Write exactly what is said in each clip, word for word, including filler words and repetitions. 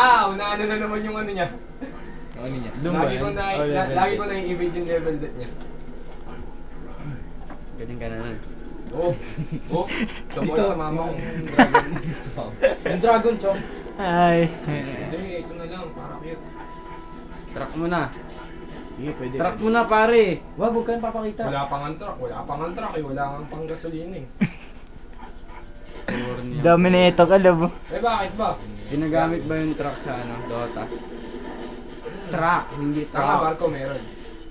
Ah, unaano na naman yung ano niya. Ano niya? Lagi ko na, Oh, na lagi ko na i-evade yung level death niya. Galing ka na nun. Oh, oh, sabay sa mama kong dragon. Yung dragon, chong. Ay. Hindi, ito na lang, para cute. Truck mo na. Sige, pwede. Truck mo na pare. Wag, huwag kang papakita. Wala pang ang truck, wala pang ang truck eh, wala kang pang gasolina eh. Dami na ito ka, labo. Eh bakit ba? Ginagamit ba yung truck sa ano, Dota? Truck, hindi Tama, truck. barko meron.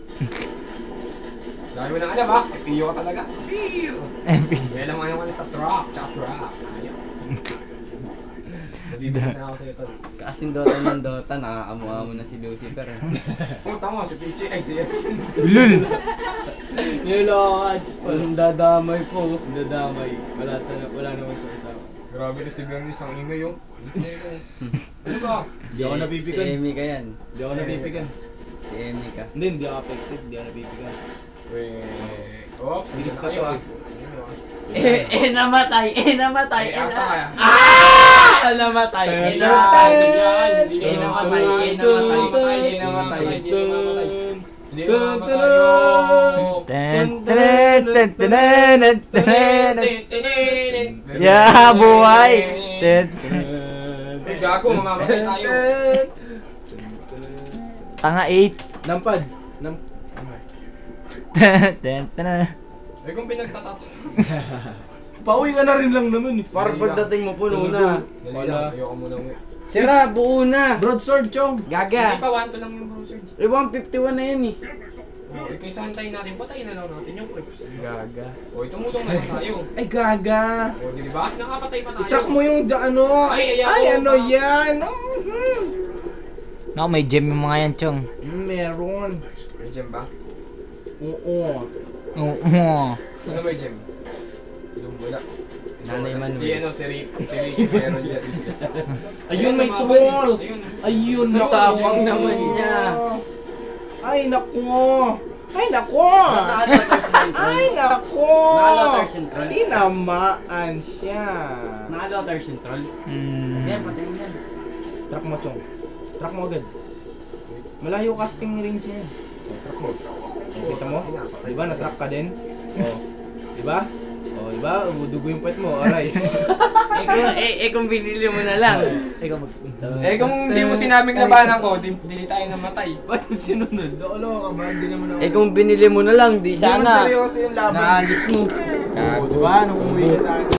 Dahil mo nang alam ah, piyo ka talaga. Piyo! May alam nga naman sa truck, tsaka truck. Ayaw. Nabibigyan na ako sa'yo tol. Kasing Dota ng Dota, nakakamuha mo na si Lucifer. Eh. Oh, tama, si Pichi, ay siya. Lul. Nilokad. Walang dadamay po. Dadamay. Wala, sa, wala naman sa kasama. Grabe na si Bernice, ang ingay oh. Ano ba? Di ako napipigan. Si Amy ka yan. Di ako napipigan. Si Amy ka. Hindi, hindi ako affected. Di ako napipigan. Weh, oops, Bilis na na to, ah. Eh, eh, namatay. Eh, namatay. Ay, asa kaya? Ah! Namatay. Eh, namatay. Hindi Eh, namatay. namatay. Eh, namatay. Eh, namatay. Hindi namatay. Hindi namatay yung... Ten, ten, ten, ten, ten, ten. Yeah, buhay. Ten. Eh, gago, mamamatay tayo. Tanga eight. Nampad. Nam... Ten, ten, ten. Eh, kung pinagtatato. Pauwi ka na rin lang naman eh. Parang pagdating mo puno na. Dali lang, ayoko muna uwi. Sira, buo na. Broadsword, chong. Hindi Gaga. pa, one to lang yung browser. Eh, one fifty-one na yan eh. Oh, eh, kaysa hantayin natin, patayin na lang natin yung clips. Gaga. O, tumulong na lang tayo. Ay, gaga. O, di ba? Nakapatay pa tayo. I-track mo yung da- ano. Ay, ayaw Ay, ko ano pa. yan. Mhm. Naku, may gem yung mga yan, Chong. Mm, meron. May gem ba? Oo. Oo. Oh, Ano may gem? Yung wala. Nanay Manuel. Si ano, si Rick. Si Rick meron dyan. Ayun, may lumaban tool. eh. Ayun. Ayun, Ang naku. tapang naman niya. Ay, naku. Ay, naku. Ay, naku. Naka-lotter central. Tinamaan siya. Naka-lotter central. Hmm. Yan, patay mo yan. Track mo, chong. Track mo agad. Malayo casting range niya. Oh, track mo. Oh, kita mo? Di ba, na-track ka din? Oh. Di ba? Oh, di ba? Dugo yung puwet mo, aray. Eh kung, eh, eh kung binili mo na lang. Ikaw mag... Eh kung di mo sinabing labanan ko, di, di tayo namatay. Ba't mo sinunod? Ano ka ba? Hindi naman ako... Eh kung binili mo na lang, di Hindi naman sana. seryoso yung laban. Naalis mo. Oh, di ba? Nung umuwi ka sa akin.